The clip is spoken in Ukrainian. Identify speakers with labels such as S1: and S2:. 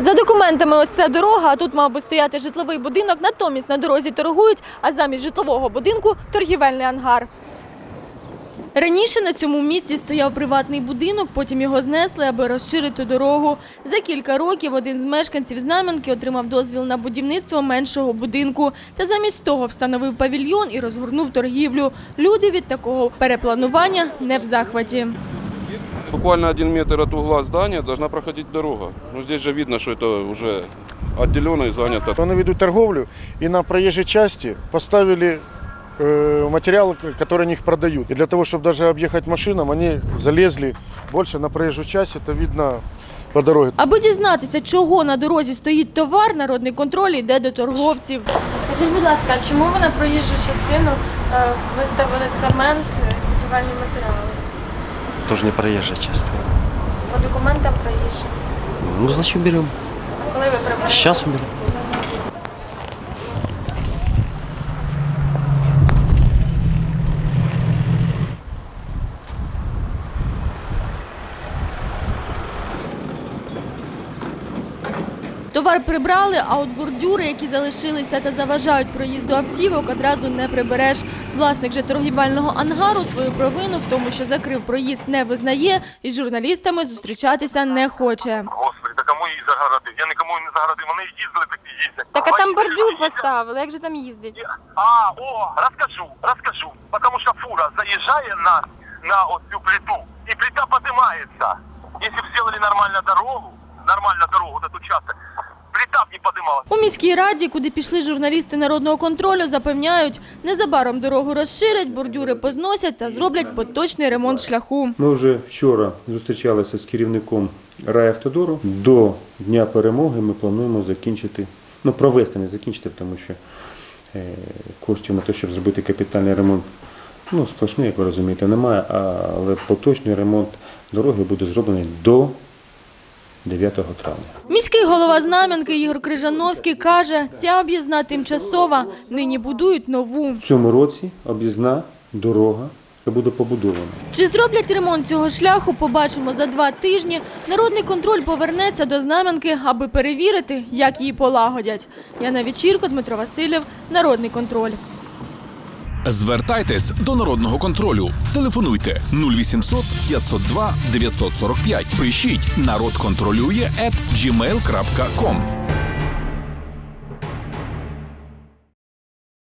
S1: За документами ось ця дорога, а тут мав би стояти житловий будинок, натомість на дорозі торгують, а замість житлового будинку – торгівельний ангар. Раніше на цьому місці стояв приватний будинок, потім його знесли, аби розширити дорогу. За кілька років один з мешканців Знам'янки отримав дозвіл на будівництво меншого будинку. Та замість того встановив павільйон і розгорнув торгівлю. Люди від такого перепланування не в захваті.
S2: Буквально 1 метр от угла здания должна проходить дорога. Но здесь же видно, что это уже отделено и занято.
S3: Они ведут торговлю, и на проезжей части поставили материалы, которые они их продают. И для того, чтобы даже объехать машинам, они залезли больше на проезжую часть, это видно по дороге.
S1: Аби дізнатися, чого на дорозі стоїть товар, народний контроль йде до торговців. Скажіть, будь ласка, а чому ви на проїжджу частину виставили цемент і будівельні матеріали?
S4: Тоже не проезжая частина.
S1: По документам проїжджі.
S4: Ну, значит, берем.
S1: А коли ви приберете?
S4: Сейчас уберем.
S1: Товар прибрали, а от бордюри, які залишилися та заважають проїзду автівок, одразу не прибереш. Власник же торгівельного ангару свою провину в тому, що закрив проїзд, не визнає і з журналістами зустрічатися не хоче.
S5: Господи, та кому її загородив? Я нікому не загородив, вони їздили, так і їздять.
S1: Так а там бордюр
S5: їздять.
S1: поставили, як же там їздить?
S5: Розкажу. Потому що фура заїжджає на оцю плиту, і плита піднімається. Якщо б зробили нормальну дорогу на ту частину, плита б не піднімалася.
S1: У міській раді, куди пішли журналісти народного контролю, запевняють, незабаром дорогу розширять, бордюри позносять та зроблять поточний ремонт шляху.
S6: Ми вже вчора зустрічалися з керівником райавтодору. До Дня перемоги ми плануємо закінчити, провести, не закінчити, тому що коштів на те, щоб зробити капітальний ремонт, сплошний, як ви розумієте, немає, але поточний ремонт дороги буде зроблений до 9 травня.
S1: Міський голова Знам'янки Ігор Крижановський каже, ця об'їзна тимчасова, нині будують нову.
S6: В цьому році об'їзна дорога буде побудована.
S1: Чи зроблять ремонт цього шляху, побачимо за 2 тижні. Народний контроль повернеться до Знам'янки, аби перевірити, як її полагодять. Яна Вечірко, Дмитро Васильєв, Народний контроль.
S7: Звертайтесь до Народного контролю. Телефонуйте 0800 502 945. Пишіть «Народ контролює» @gmail.com.